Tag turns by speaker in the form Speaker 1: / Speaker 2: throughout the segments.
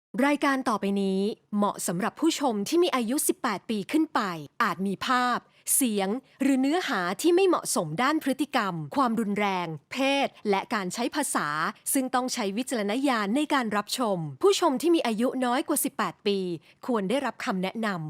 Speaker 1: รายการต่อไปนี้เหมาะสำหรับผู้ชมที่มีอายุ 18 ปีขึ้นไป อาจมีภาพ เสียง หรือเนื้อหาที่ไม่เหมาะสมด้านพฤติกรรม ความรุนแรง เพศ และการใช้ภาษา ซึ่งต้องใช้วิจารณญาณในการรับชม ผู้ชมที่มีอายุน้อยกว่า 18 ปี ควรได้รับคำแนะนำ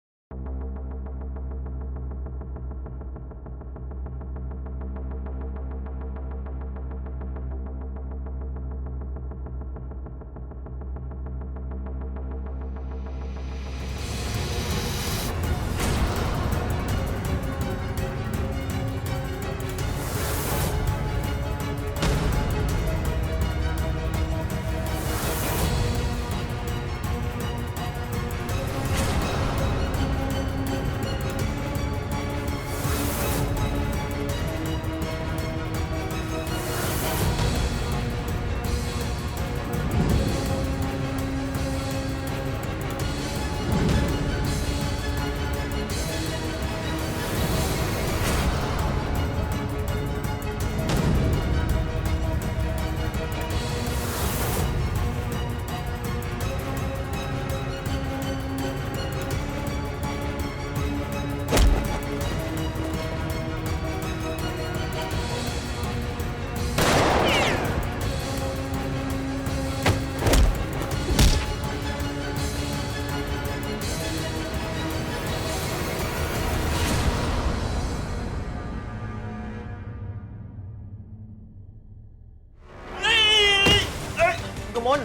Speaker 2: กมล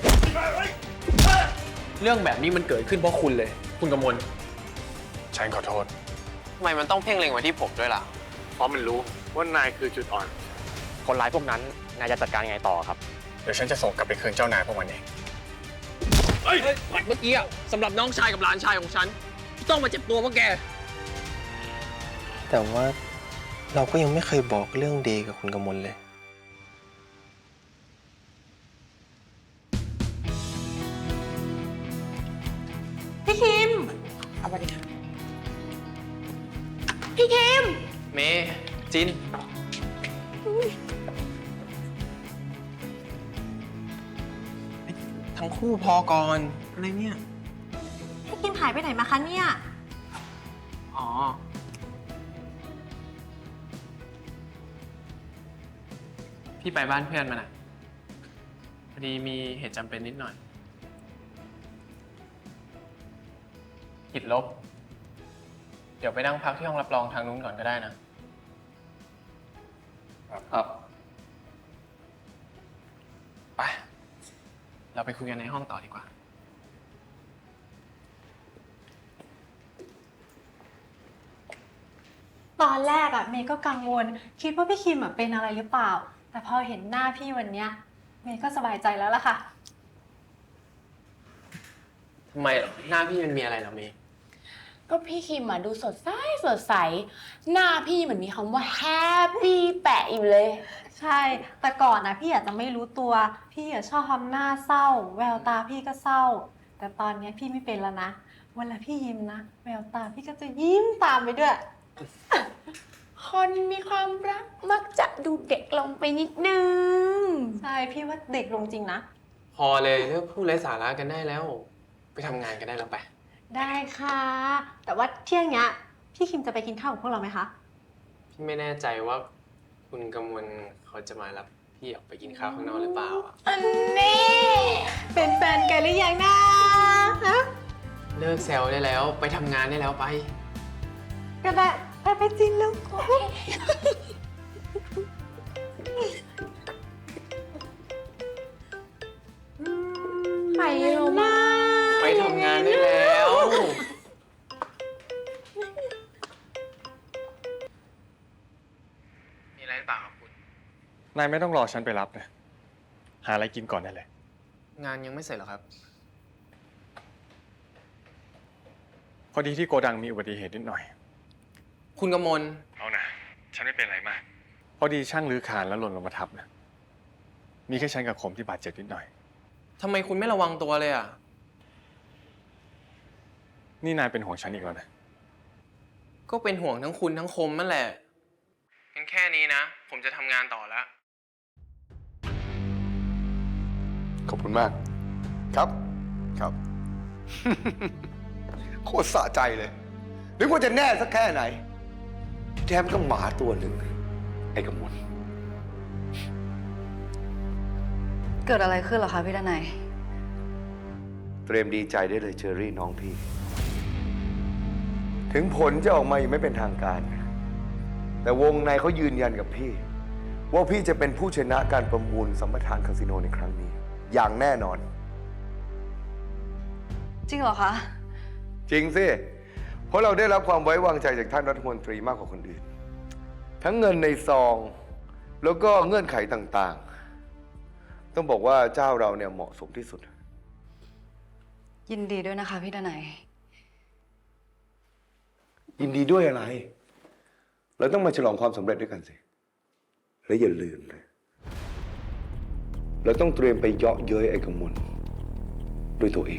Speaker 2: เรื่องแบบนี้มันเกิดขึ้นเพราะคุณเลยคุณกมล
Speaker 3: ฉันขอโทษ
Speaker 2: ทำไมมันต้องเพ่งเล็งไว้ที่ผมด้วยล่ะ
Speaker 3: เพราะมันรู้ว่านายคือจุดอ่อน
Speaker 4: คนร้ายพวกนั้นนายจะจัดการยังไงต่อครับ
Speaker 3: เดี๋ยวฉันจะส่งกลับไปคืนเจ้านายพวกมันเอง
Speaker 2: เมื่อกี้สำหรับน้องชายกับหลานชายของฉันต้องมาเจ็บตัวเพราะแก
Speaker 5: แต่ว่าเราก็ยังไม่เคยบอกเรื่องเดย์กับคุณกมลเลย
Speaker 6: พี่คิมสวัสดีค่ะพี่คิม
Speaker 2: เมย์จินทั้งคู่พอก่อนอะไรเนี่ย
Speaker 6: พี่คิมหายไปไหนมาคะเนี่ย
Speaker 2: อ๋อพี่ไปบ้านเพื่อนมาน่ะพอดีมีเหตุจำเป็นนิดหน่อยติดลบเดี๋ยวไปนั่งพักที่ห้องรับรองทางนู้นก่อนก็ได้นะครับไปเราไปคุยกันในห้องต่อดีกว่า
Speaker 6: ตอนแรกอะเมย์ก็กังวลคิดว่าพี่คิมเป็นอะไรหรือเปล่าแต่พอเห็นหน้าพี่วันเนี้ยเมย์ก็สบายใจแล้วล่ะค่ะ
Speaker 2: ทำไมหน้าพี่มันมีอะไรเหรอเมย์
Speaker 7: ก็พี่คิมดูสดใสสดใสหน้าพี่เหมือนมีคำว่าแฮปปี้แปะอยู่เลย
Speaker 6: ใช่แต่ก่อนนะพี่อาจจะไม่รู้ตัวพี่ชอบทำหน้าเศร้าแววตาพี่ก็เศร้าแต่ตอนนี้พี่ไม่เป็นแล้วนะเวลาพี่ยิ้มนะแววตาพี่ก็จะยิ้มตามไปด้วย
Speaker 7: คนมีความรักมักจะดูเด็กลงไปนิดนึง
Speaker 6: ใช่พี่ว่าเด็กลงจริงนะ
Speaker 2: พอเลยเลิกพูดไร้สาระกันได้แล้วไปทำงานกันได้แล้วไป
Speaker 6: ได้ค่ะแต่ว่าเที่ยงเนี้ยพี่คิมจะไปกินข้าวกับพวกเราไหมคะ
Speaker 2: พี่ไม่แน่ใจว่าคุณกมลเขาจะมารับพี่ออกไปกินข้าวข้างนอกหรือเปล่า
Speaker 7: อันนี้
Speaker 6: เป็นแฟนกันหรือยังนะฮะ
Speaker 2: เลิกแซวได้แล้วไปทำงานได้แล้วไป
Speaker 6: ก็ได้ไปจริงแล้ว
Speaker 7: ไปโรมา
Speaker 2: ไปทำงานได้แล้วมีอะไรหรือเปล่าครับคุณ
Speaker 3: นายไม่ต้องรอฉันไปรับนะหาอะไรกินก่อนได้เลย
Speaker 2: งานยังไม่เสร็จหรอครับ
Speaker 3: พอดีที่โกดังมีอุบัติเหตุนิดหน่อย
Speaker 2: คุณกมล
Speaker 3: เอานะฉันไม่เป็นไรมากพอดีช่างรื้อคานแล้วหล่นลงมาทับนะมีแค่ฉันกับคมที่บาดเจ็บนิดหน่อย
Speaker 2: ทำไมคุณไม่ระวังตัวเลยอ่ะ
Speaker 3: นี่นายเป็นห่วงฉันอีกแล้วนะ
Speaker 2: ก็เป็นห่วงทั้งคุณทั้งคมนั่นแหละงั้นแค่นี้นะผมจะทำงานต่อแล้ว
Speaker 3: ขอบคุณมากครับ
Speaker 8: ครับ โคตรสะใจเลยนึกว่าจะแน่สักแค่ไหนที่แท้มันก็หมาตัวหนึ่งไอ้กำมล
Speaker 9: เกิดอะไรขึ้นเหรอคะพี่ดนัย
Speaker 8: เตรียมดีใจได้เลยเชอรี่น้องพี่ ถึงผลจะออกมายังไม่เป็นทางการ แต่วงในเขายืนยันกับพี่ ว่าพี่จะเป็นผู้ชนะการประมูลสัมปทานคาสิโนในครั้งนี้ อย่างแน่นอน
Speaker 9: จริงเหรอคะ
Speaker 8: จริงสิ เพราะเราได้รับความไว้วางใจจากท่านรัฐมนตรีมากกว่าคนอื่น ทั้งเงินในซอง แล้วก็เงื่อนไขต่างๆ ต้องบอกว่าเจ้าเราเนี่ยเหมาะสมที่สุด
Speaker 9: ยินดีด้วยนะคะพี่ดนัย
Speaker 8: ยินดีด้วยอะไร เราต้องมาฉลองความสำเร็จด้วยกันสิ และอย่าลืมนะเราต้องเตรียมไปเยาะเย้ยไอ้กำมลด้วยตัวเอง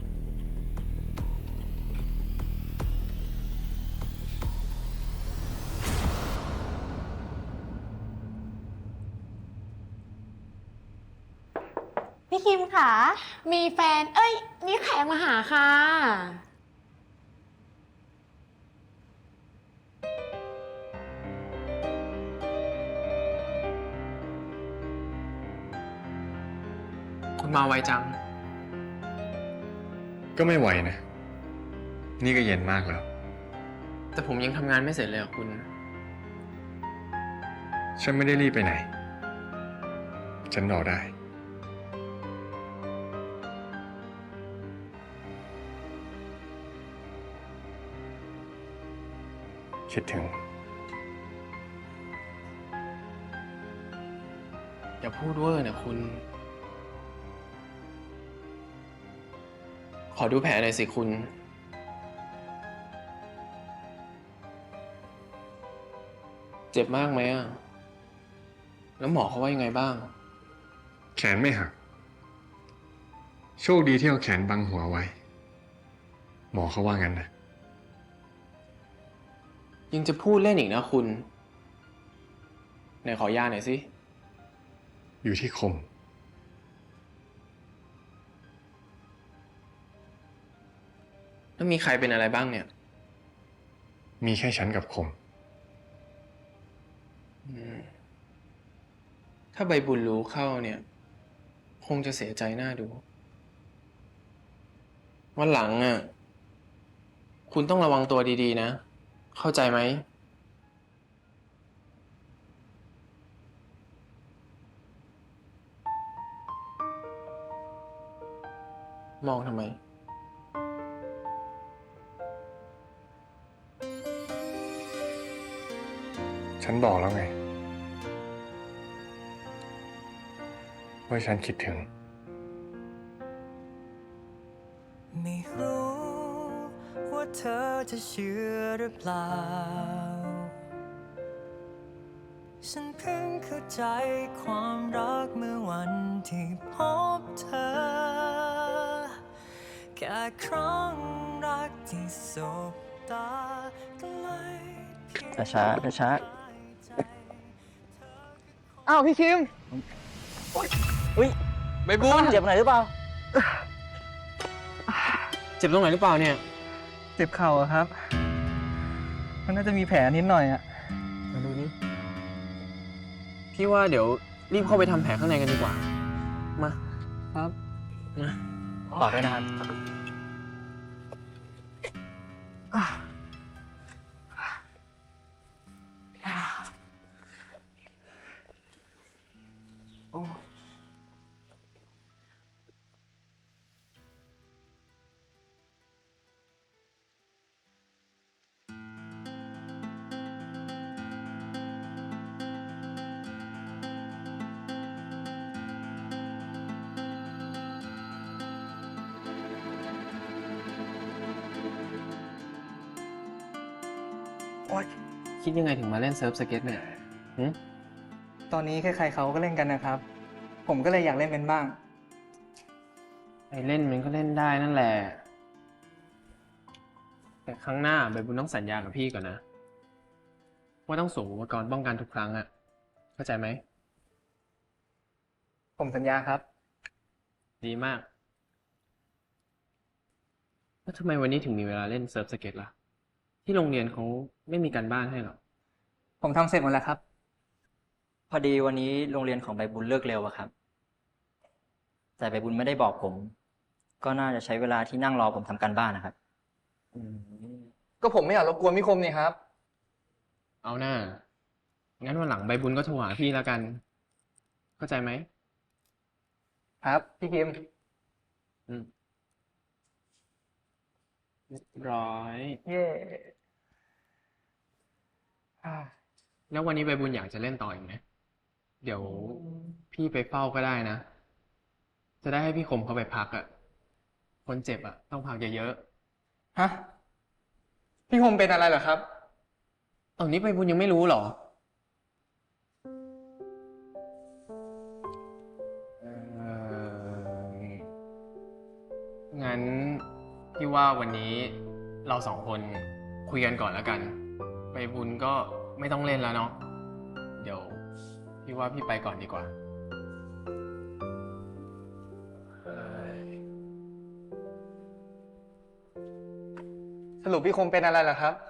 Speaker 6: พี่คิมค่ะ
Speaker 7: มีแฟน เอ้ย มีแขกมาหาค่ะ
Speaker 2: คุณมาไวจัง
Speaker 3: ก็ไม่ไหวนะ นี่ก็เย็นมากแล้ว
Speaker 2: แต่ผมยังทำงานไม่เสร็จเลยอะคุณ
Speaker 3: ฉันไม่ได้รีบไปไหน ฉันรอได้ คิดถึง
Speaker 2: อย่าพูดเวอร์นะคุณ ขอดูแผลหน่อยสิคุณ เจ็บมากไหมอ่ะ แล้วหมอเขาว่ายังไงบ้าง
Speaker 3: แขนไม่หัก โชคดีที่เอาแขนบังหัวไว้ หมอเขาว่างั้นนะ
Speaker 2: ยังจะพูดเล่นอีกนะคุณ ไหนขอยาหน่อยสิ
Speaker 3: อยู่ที่คม
Speaker 2: แล้วมีใครเป็นอะไรบ้างเนี่ย
Speaker 3: มีแค่ฉันกับคม
Speaker 2: ถ้าใบบุญรู้เข้าเนี่ย คงจะเสียใจหน้าดู วันหลังอ่ะ คุณต้องระวังตัวดีๆนะ เข้าใจไหม มองทำไม
Speaker 3: ฉันบอกแล้วไง ว่าฉันคิดถึง
Speaker 10: ไม่รู้ว่าเธอจะเชื่อหรือเปล่า ฉันเพิ่งเข้าใจความรักเมื่อวันที่พบเธอ แค่ครั้งรักที่สบตาก็เลย
Speaker 5: ช้าช้า
Speaker 10: อ้าวพี่คิม
Speaker 2: ใบบุญ
Speaker 10: เจ็บไหนหรือเปล่า
Speaker 2: เจ็บตรงไหนหรือเปล่าเนี่ย
Speaker 10: เจ็บเข่าอะครับ มันน่าจะมีแผลนิดหน่อยอะมาดูนี่
Speaker 2: พี่ว่าเดี๋ยวรีบเข้าไปทำแผลข้างในกันดีกว่า มา
Speaker 10: ครับ
Speaker 2: มา
Speaker 10: ต่อด้วยนะครับ
Speaker 2: คิดยังไงถึงมาเล่นเซิร์ฟสเก็ตเนี่ยหึ
Speaker 10: ตอนนี้ใครๆเขาก็เล่นกันนะครับ ผมก็เลยอยากเล่นเป็นบ้าง
Speaker 2: ไอเล่นมันก็เล่นได้นั่นแหละ แต่ครั้งหน้าใบบุญต้องสัญญากับพี่ก่อนนะ ว่าต้องสวมอุปกรณ์ป้องกันทุกครั้งอะเข้าใจไหม
Speaker 10: ผมสัญญาครับ
Speaker 2: ดีมากแล้วทำไมวันนี้ถึงมีเวลาเล่นเซิร์ฟสเก็ตล่ะ ที่โรงเรียนเขาไม่มีการบ้านให้หรอ
Speaker 11: ผมทำเสร็จหมดแล้วครับ พอดีวันนี้โรงเรียนของใบบุญเลิกเร็วอะครับ แต่ใบบุญไม่ได้บอกผม ก็น่าจะใช้เวลาที่นั่งรอผมทำการบ้านนะครับ
Speaker 10: ก็ผมไม่อยากรบกวนพี่คมนี่ครับ
Speaker 2: เอาหน้า งั้นวันหลังใบบุญก็โทรหาพี่แล้วกัน เข้าใจไหม
Speaker 10: ครับพี่คิม
Speaker 2: อืมเรียบร้อย
Speaker 10: เย่
Speaker 2: แล้ววันนี้ใบบุญอยากจะเล่นต่ออีกไหม เดี๋ยวพี่ไปเฝ้าก็ได้นะ จะได้ให้พี่คมเขาไปพักอ่ะ คนเจ็บอ่ะ ต้องพักเยอะ
Speaker 10: ฮะ พี่คมเป็นอะไรเหรอครับ
Speaker 2: ๆตอนนี้ใบบุญยังไม่รู้เหรอ งั้นพี่ว่าวันนี้เราสองคนคุยกันก่อนแล้วกันใบบุญก็ไม่ต้องเล่นแล้วเนาะ เดี๋ยวพี่ว่าพี่ไปก่อนดีกว่า
Speaker 10: สรุปพี่คมเป็นอะไรเหรอครับ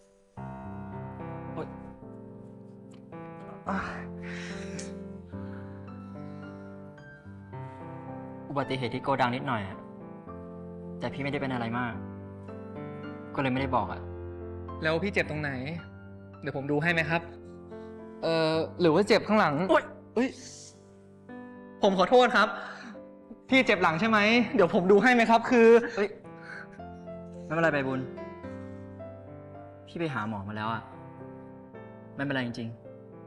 Speaker 11: อุบัติเหตุที่โกดังนิดหน่อยอะแต่พี่ไม่ได้เป็นอะไรมาก ก็เลยไม่ได้บอกอะ
Speaker 10: แล้วพี่เจ็บตรงไหน เดี๋ยวผมดูให้ไหมครับ หรือว่าเจ็บข้างหลังโอ๊ยเอ้ย ผมขอโทษครับ พี่เจ็บหลังใช่ไหม เดี๋ยวผมดูให้ไหมครับ คือ
Speaker 11: เฮ้ย ไม่เป็นไรใบบุญ พี่ไปหาหมอมาแล้วอะไม่เป็นไรจริง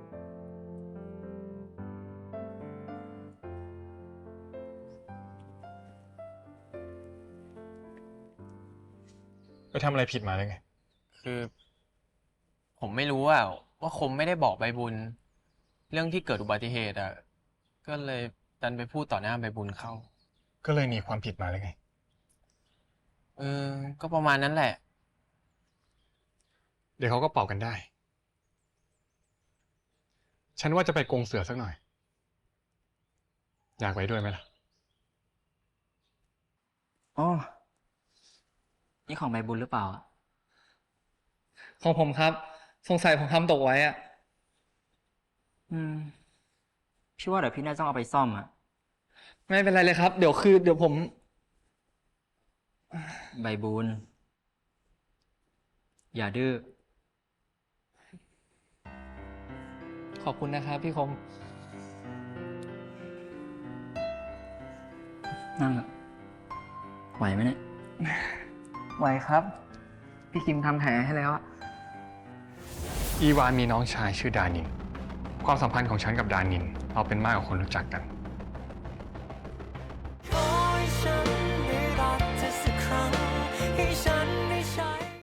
Speaker 3: ไปทำอะไรผิดมาเลยไง
Speaker 2: คือ ผมไม่รู้ว่าคมไม่ได้บอกใบบุญ เรื่องที่เกิดอุบัติเหตุอ่ะ ก็เลยดันไปพูดต่อหน้าใบบุญเข้า
Speaker 3: ก็เลยหนีความผิดมาเลยไง
Speaker 2: ก็ประมาณนั้นแหละ
Speaker 3: เดี๋ยวเขาก็เป่ากันได้ ฉันว่าจะไปกรงเสือสักหน่อย อยากไปด้วยไหมล่ะ
Speaker 11: ๆอ๋อ นี่ของใบบุญหรือเปล่าอะ
Speaker 10: ของผมครับ สงสัยผมทำตกไว้อะ
Speaker 11: พี่ว่าเดี๋ยวพี่น่าจะต้องเอาไปซ่อมอะ
Speaker 10: ไม่เป็นไรเลยครับ เดี๋ยวผม
Speaker 11: ใบบุญ อย่าดื้อ
Speaker 10: ขอบคุณนะครับพี่คม
Speaker 11: นั่งเถอะไหวไหมเนี่ย
Speaker 10: ไหวครับ พี่คิมทำแผลให้แล้วอะ
Speaker 3: อีวานมีน้องชายชื่อดานิน ความสัมพันธ์ของฉันกับดานิน เอาเป็นมากกว่าคนรู้จักกัน